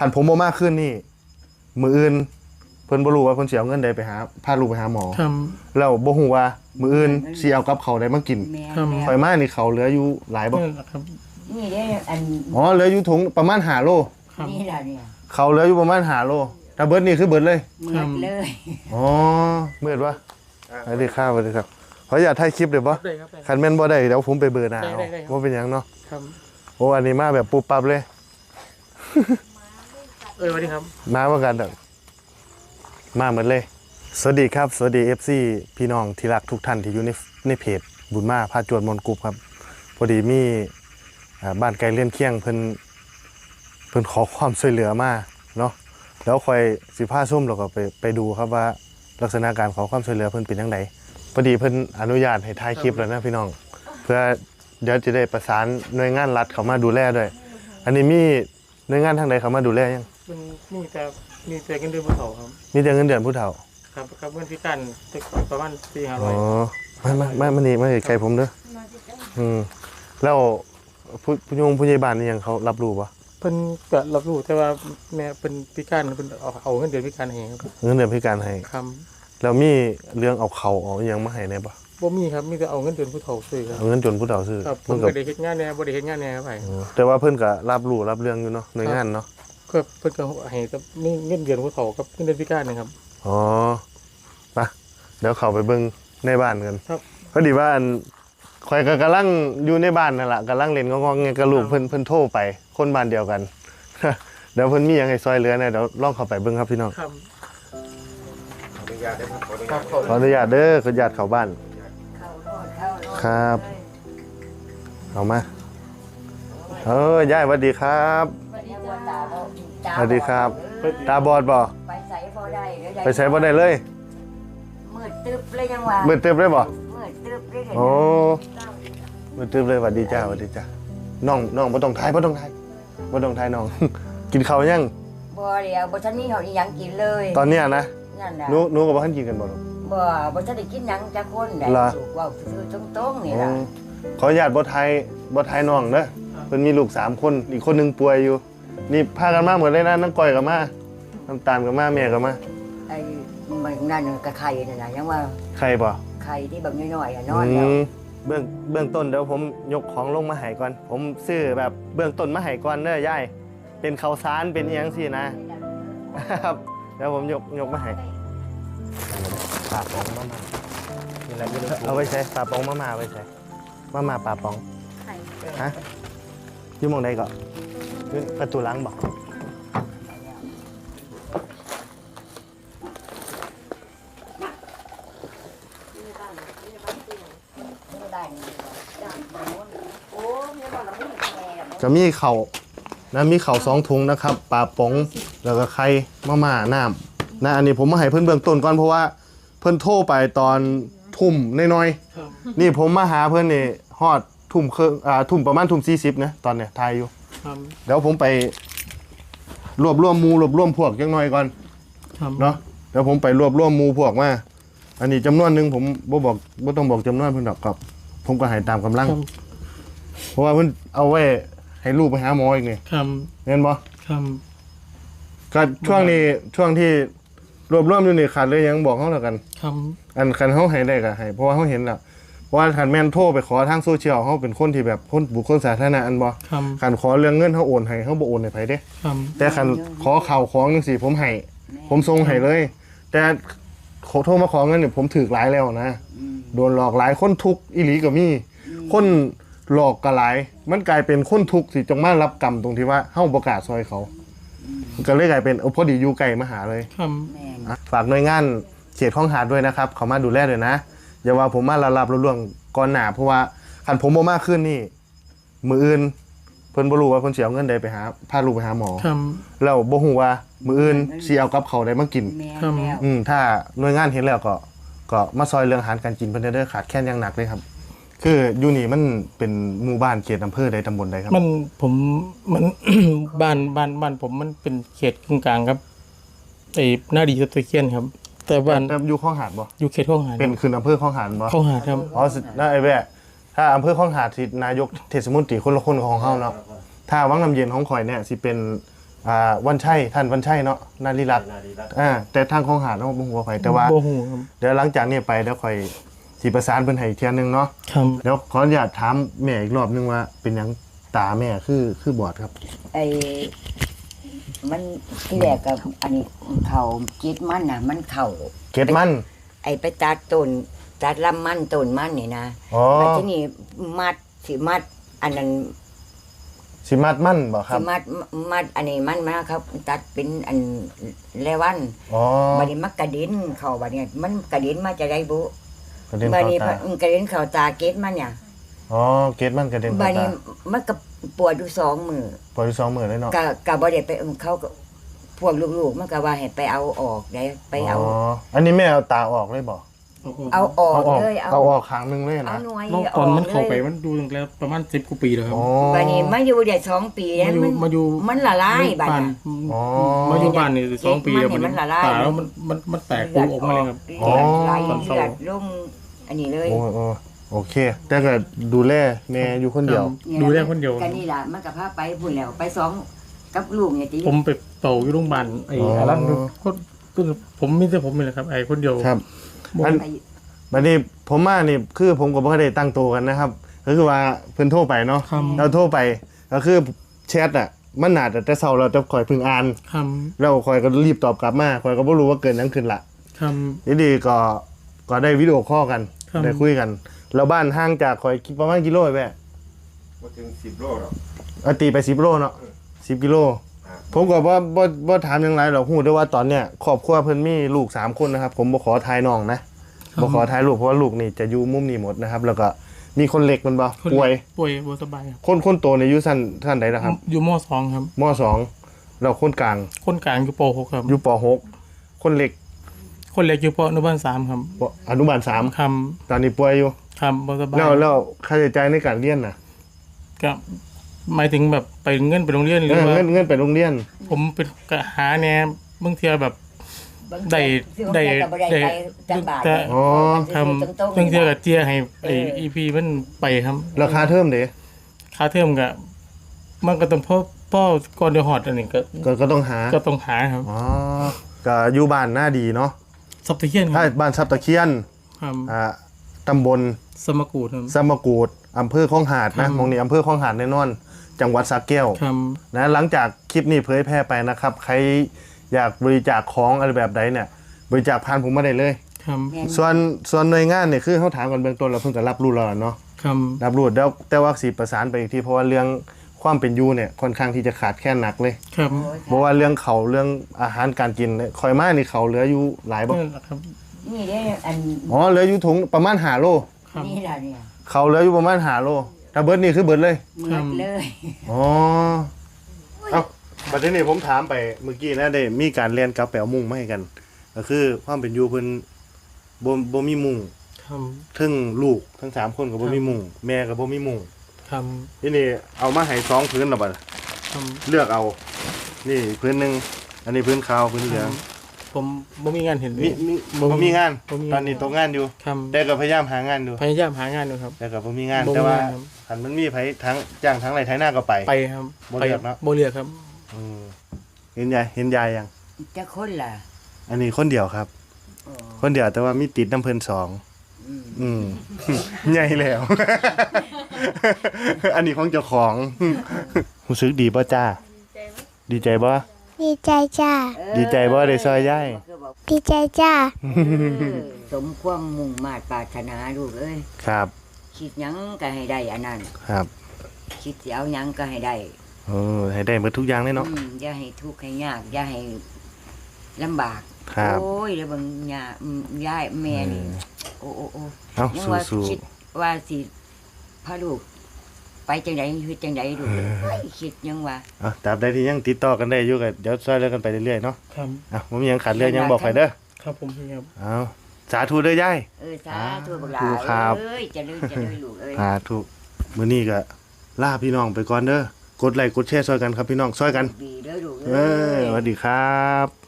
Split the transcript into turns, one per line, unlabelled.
คันผมบ่มากขึ้นนี่มื้ออื่นเพิ่นบ่รู้ว่าเพิ่นสิเอาเงินใดไปหาพาลูกไปหาหมอแล้วบ่ฮู้ว่ามื้ออื่นสิเอากับเขาวใดมากินข่อยมานี่เขาเหลืออยู่หลายบ่
นี่เด้อัน
เหลืออยู่ถุงประมาณ5โล
นี่ล่ะเนี่ย
เขาเหลืออยู่ประมาณ5โลถ้าเบิดนี่คือเบิดเลย
หมดเลย
มืดวะสวัสดีครับสวัสดีครับขออย่าถ่ายคลิปได้บ่คันแม่นบ่ได้เดี๋ยวผมไปเบอร์หน้าเอาบ่เป็นหยังเนาะโอ้อันนี้มาแบบปุ๊บปั๊บเลย
สวัสดีครับ
มาเหมือนกันเด้อมาเหมือนเลยสวัสดีครับสวัสดี FC พี่น้องที่รักทุกท่านที่อยู่ในเพจบุญมาพาจวดมนกรุ๊ปครับพอดีมีบ้านไกลเลื่อนเคียงเพิ่นขอความช่วยเหลือมาเนาะแล้วค่อยสิพาส้มเราก็ไปดูครับว่าลักษณะการขอความช่วยเหลือเพิ่นเป็นจังไดพอดีเพิ่นอนุญาตให้ถ่ายคลิปแล้วนะพี่น้องเพื่อเดี๋ยวจะได้ประสานหน่วยงานรัฐเข้ามาดูแลด้วยอันนี้มีหน่วยงานทางใดเข้ามาดูแลยัง
มีแต่เงินเดือนผู้เฒ่าครับ
มีแต่เงินเดือนผู้เฒ่า
ครับเงินพิการประมาณ400-500
มานี่ไกลผมเด้อแล้วผู้ใหญ่บ้านนี่ยังเขารับรู้บ่
เพิ่นก็รับรู้แต่ว่าแม่เป็นพิการเพิ่นเอาเงินเดือนพิการให้ครับ
เงินเดือนพิการให้
ครับ
แล้วมีเรื่องเอาเขาเอาหยังมาให้แน่บ่
บ่มีครับมีแต่เอาเงินเดือนผู้เฒ่าซื้อครับ
เอาเงินเดือนผู้เฒ่าซื้อ
เพิ่นก็ได้เฮ็ดงานแน่บ่ได้เฮ็ดงานแน่ครับ
แต่ว่าเพิ่นก็รับรู้รับเรื่องอยู่เนาะหน่วยงานเนาะ
ก็เพิ่นก็ให้แต่นี่เงินเดือนผู้เฒ่ากับเงินเดือนพิการนะครับ
ไปเดี๋ยวเข้าไปเบิ่งในบ้านกัน
ครับ
พอดีว่าข่อยก็กำลังอยู่ในบ้านนั่นล่ะกำลังเล่นงองๆแงกับลูกเพิ่นโทรไปคนบ้านเดียวกันเดี๋ยวเพิ่นมีหยังให้ซอยเหลือเนี่ยเดี๋ยวลองเข้าไปเบิ่งครับพี่น้อง
ครับ
ขออนุญาตเด้อขออนุญาตเข้าบ้านครับเอามายายสวัสดีครับสวัสดีครับตาบอดบ่
ไปใส่บ่ได้
เลย
มืดตึ๊บเลยยังว่า
มืดตึ๊บเลยบ่
มืดตึ๊บเลย
โอ้มืดตึ๊บเลยสวัสดีจ้าน้องบ่ต้องทายน้อง กินข้าวยัง
บ่เดี๋ยวบ่ทันมีเฮาอีหยังกินเลย
ตอนนี้นะ
นั่นน่ะ
หนูก็บ่ทันกินกันบ่
บ่ทันได้กินหยังจักคนได้ว้าวซื่อๆตรงๆนี่ล่ะ
ขออนุญาตบ่ทายน้องเด้อเพิ่นมีลูก3คนอีกคนนึงป่วยอยู่นี่พากันมาหมดเลยนะน้องก้อยก็มาน้ำตาลก็มาแม่ก็มา
ไอ้มันนั่นก็ไข่นั่นน่ะยังว่า
ไข่บ่
ไข่ที่แบบน้อยๆนอนแล้ว
เบื้องต้นเดี๋ยวผมยกของลงมาให้ก่อนผมซื้อแบบเบื้องต้นมาให้ก่อนเด้อยายเป็นข้าวสารเป็นอีหยังสินะครับเดี๋ยวผมยกมาให้ปลาปองมาเอาไว้ใช้ปลาปองมาไว้ใช้มาปลาปองฮะอยู่มองใดก่อนประตูหลังบอกจะมีเข่านะมีเข่า2 ถุงนะครับปลาป๋องแล้วก็ไข่ม่าน้ำนะอันนี้ผมมาให้เพื่อนเบื้องต้นก่อนเพราะว่าเพื่อนโทรไปตอนทุ่มน้อยๆนี่ผมมาหาเพื่อนนี่ฮอดทุ่มประมาณทุ่ม40นะตอนเนี้ยทายอยู่เดี๋ยวผมไปรวบรวมพวกจังหน่อยก่อนเนาะเดี๋ยวผมไปรวบรวมพวกมาอันนี้จำนวนนึงผมบ่ต้องบอกจำนวนเพิ่นดอกครับผมก็ให้ตามกำลังเพราะว่าเพิ่นเอาไว้ให้ลูกไปหาหมออีกนี่เห็นบ่ก็ช่วงที่รวบรวมอยู่นี่ขาดเลยยังบอกเฮาแล้วกันอันคันเฮาให้ได้ก็ให้เพราะว่าเฮาเห็นแล้วเพราะว่าคันแม่นโทรไปขอทางโซเชียลเฮาเป็นคนที่แบบคนบุคคลสาธารณะอันบ่คันขอเรื่องเงินเฮาโอนให้เฮาบ่โอนให้ไผเด้แต่คันขอข้าวของจังซี่ผมให้ผมส่งให้เลยแต่ขอโทรมาขอเงินเนี่ยผมถูกหลายแล้วนะโดนหลอกหลายคนทุกข์อีหลีก็มีคนหลอกก็หลายมันกลายเป็นคนทุกข์สิจงมารับกรรมตรงที่ว่าเฮาบ่กล้าซอยเขาก็เลยกลายเป็นพอดีอยู่ไกลมาหาเลยฝากหน่วยงานเขตคลองหาดด้วยนะครับเขามาดูแลด้วยนะอย่าว่าผมมารับล่วงก่อนหน้าเพราะว่าคันผมบ่มากขึ้นนี่มื้ออื่นเพิ่นบ่รู้ว่าเพิ่นสิเอาเงินใดไปหาพาลูกไปหาหมอแล้วบ่ฮู้ว่ามื้ออื่นสิเอากับเขาได้มากินถ้าหน่วยงานเห็นแล้วก็มาซอยเรื่องอาหารการกินเพิ่นเด้อขาดแคลนอย่างหนักเลยครับคืออยู่นี่มันเป็นหมู่บ้านเขตอำเภอใดตำบลใดครับ
มัน บ้านผมมันเป็นเขตกึ่งกลางครับไอ้หน้าดีตะเคียนครับแต่บ้าน
อยู่คลองหาดบ่
อยู่เขตคลองหาด
เป็นคืออำเภอคลองหาดบ่
คลองหาดครับ
น่าไอ้แว่ถ้าอำเภอคลองหาดที่นายกเทศมนตรีคนละคนของเฮาเนาะถ้าวังน้ำเย็นของข่อยเนี่ยสิเป็นวันชัยท่านวันชัยเนาะนารีรัตน์แต่ทางของหาดเนาะบ่ฮู้ว่าไผแต่ว่า
บ่ฮู้ครับ
เดี๋ยวหลังจากนี้ไปเดี๋ยวค่อยสิประสานเพิ่นให้อีกเที่ยนึงเนาะ
ครับ
เดี๋ยวขออนุญาตถามแม่อีกรอบนึงว่าเป็นหยังตาแม่คือบอดครับ
ไอ้มันที่แรกกับอันนี้เขาจิตมันน่ะ มันเข่า
เกตมัน
ไอ้ไปตัดต้นตัดลำมันต้นมันนี่นะ
อ๋อ
บัดที่นี่มัดสิมัด อันนั้น
สิมัดมันบ่ครั
สิ
บ
มัดอันนี้มันมาครับ ตัดเป็นอันเลวัน
อ๋อ
บัดนี้มันกระเด็นเข้าบัดนี้มันกระเด็นมาจะได้บุ
กระเด็น
บัด
เข้า
นี้
ตา
กระเด็นเข้าตาเกตมันเนี่ย
อ๋อเกตมันกระเด็น
บั
เข้า
ดนี้
ตา
มันก็ปวดอยู่2 มื้อ
ปล่อย2มื้อเลยเนาะ
ก็บ่ได้ไปเขาก็พวกลูกๆมันก็ว่าให้ไปเอาออกได้ไปเอา
อ๋ออันนี้แม่เอาตาออกเลยบ่
เอาออก
เอาออก
เลย
เอาออกข้างนึงเลย
เอา
นะ
หน่วย
แล้ว
อ
ต
อ
อน
ก
มันเข้าไป
เลย
มันดูตั้งแต่ประมาณ10กว่าปีแล้วครับ
อ๋อ
บัดนี้มาอยู่ได้2 ปีแล้วมัน
มาอยู่
มันละลายบัด
บ้าน
นี้
อ๋อ
มาอยู่บ้านนี่2 ปีแล้ว
มันละลาย
ตาแล้วมันแตกปูออกมาเลยครับ
เลือดไหล
ตอนเศร้า
เลือดลงอันนี้เลย
โอ้โอเค แต่ก็ดูแลแม่อยู่คนเดียว
ดูแลคนเดียว
กันนี่ล่ะมันก็พาไปพุ่นแล้วไป2กับลูกเนี่ยติ
ผมไปเป่าอยู่โรงพยาบาลไอ้อะไรนั่นก็ผมมีแต่ผมนี่แหละครับไอ้คนเดียว
ครับ
บ่
อัน บัดนี้ผมมานี่คือผมก็บ่ได้ตั้งตัวกันนะครับก็คือว่าเพิ่นโทรไปเนาะ
คำ
เราโทรไปก็คือแชทอ่ะมันน่าจะแต่เช้าเราจะคอยเพิ่งอ่าน
ค
แล้วคอยก็รีบตอบกลับมาคอยก็บ่รู้ว่าเกิดหยังขึ้นละ
ำค
ดีๆก็ได้วิดีโอคอลกัน
ครับ
ได้คุยกันแล้วบ้านห่างจากคอยประมาณกิโลแม่
บ่ถึง10 โลหรอก
เอาตีไป10โลเนาะ10กิโลผมก็บ่ถามหยังไรหรอกฮู้ได้ว่าตอนเนี้ยครอบครัวเพิ่นมีลูก3คนนะครับผมบ่ขอทายน้องนะบ่ขอทายลูกเพราะว่าลูกนี่จะอยู่มุมนี้หมดนะครับ แล้วก็มีคนเล็กมันบ่
ำคน
ป่วย
ป่วยบ่สบายครับ
คนโตในอายุสั้นใดนะครับ
อยู่ม .2 ครับ
ม.2 แล้วคนกลาง
คนกลางอยู่ป .6 ครับ
อยู่ป .6 คนเล็ก
คนเล็กอยู่ปอนุบาล3ครับ
อนุบาล
ค
3ตอนนี้ป่วยอยู่
ำคำบ่สบาย
แล้วค่าใช้จ่ายในการเรียนน่ะ
ก็หมายถึงแบบไปเงินไปโรงเรียนหรือว่า
เงินไปโรงเรียน
ผมเป็นกะหาแหน่บางเทีแบบ ได้
ได้
ได้
ไปจังบาท
แต่
อ๋อ
ทำบางเทีกับเจียให้ไอ้ EP มันไปครับ
ราคาเทอมเด้
ค่าเทอมก็มันก็ต้องพ่อก่อนเดือดฮอดอันนี้ก็
ก็ต้องหา
ก็ต้องหาครับ
อ๋อก็อยู่บ้านหน้าดีเนาะ
ซับตะเคียนค
ถ้า
รับ
บ้านซับตะเคียน
ครับ
ตำบล
สมกูดครับ
สมกูดอำเภอคลองหาด
ครั
นะ
บ
หมองนี้อำเภอคลองหาดแน่นอน จังหวัดสระแก้ว
ครับ
นะหลังจากคลิปนี้เผยแพร่ไปนะครับ ใครอยากบริจาคของอะไรแบบใดเนี่ย บริจาคผ่านผมมาได้เลย
ครับ
ส่วนหน่วยงานเนี่ยคือเขาถามกันเบื้องต้นเราเพิ่งจะรับรู้แล้วเนาะ
ครับ
รับรู้แล้วแต่ว่าสีประสานไปอีกทีเพราะว่าเรื่องความเป็นอยู่เนี่ยค่อนข้างที่จะขาดแคลนหนักเลย
ครับ
เพราะว่าเรื่องเขาเรื่องอาหารการกินเนี่ยคอยมานี่เขาเหลืออยู่หลายบ่
นี่แหละครับ
นี่เด้อัน
อ๋อเหลืออยู่ถุงประมาณ5 โล
ครับ
นี่ล่ะเนี่ย
เขาเหลืออยู่ประมาณ5 โลถ้าเบิร์ดนี่คือเบิร์ดเลย
เหมือนเลย
อ๋อเอ้าประเด็นนี้ผมถามไปเมื่อกี้นะได้มีการเรียนกับแปลมุ้งมาให้กัน ก็คือความเป็นอยู่เพิ่นบ่มีมุ้ง
ครับ
ทั้งลูกทั้ง3คนก็บ่มีมุ้งแม่ก็บ่มีมุ้ง
ครับ
ทีนี้เอามาให้2พื้นแล้วบัด
ครับ
เลือกเอา นี่พื้นหนึงอันนี้พื้นขาวพื้นเหลือง
ผมบ่มีงานเห็นเล
มี
ย
บ่มีงาน
บ่มีงาน
ตอนนี้ตกงานอยู่
ครับ
แต่ก็พยายามหางานอยู่
พยายามหางานอยู่ครับ
แต่ก็บ่มีงาน
บ่มี
แต่ว่า
ครับ
คันมันมีไผทั้งจ้างทั้งไรไถนาก็ไป
ไปครับ
บ่เลือกเนอะ
บ่เลือกครับ
อืมเห็นยายยัง
จะคนล่ะ
อันนี้คนเดียวครับ
อ๋อ
คนเดียวแต่ว่ามีติดน้ำเพิ่น2
อืม
อืม ใหญ่แล้ว อันนี้ของเจ้าของ รู้สึกดีป่ะจ้า ดีใจป่ะ
ดีใจจ้า
ดีใจบ่ได้ซอยยาย
ดีใจจ้า
สมความมุ่งมาตรปรารถนาลูกเอ้ย
ครับ
คิดหยังก็ให้ได้อันนั้น
ครับ
คิดสิเอาหยังก็ให้ได้
ให้ได้หมดทุกอย่างเลยเนาะ
อย่าให้ทุกข์ให้ยากอย่าให้ลำบาก
ครับ
โอ้ยแล้วเบางย่าย่ายแม่นี่โอ้โอ้โอ้
เอ้า
ยังว่า
สู้
คิดว่าสิพาลูก ไปจังไดเฮ็ดจังไดลูกเอ้ยคิดยังว่า
ๆตราบใดที่ยังติดต่อกันได้อยู่ก็เดี๋ยวช่วยเหลือกันไปเรื่อยๆเนาะ
ครับ
บ่มีหยังขาดเหลือหยังบอกไปเด้อ
ครับผมพี่ครับ
เอาสาธุเด้อยาย
สาธุบักหลา
ครับ
เอ้ยเจะเลยลูกเอ้ย
สาธุมื้อนี้ก็ลาพี่น้องไปก่อนเด้อกดไลค์กดแชร์ช่วยกันครับพี่น้องช่วยกัน
ดีเด้อลูก
สวัสดีครับ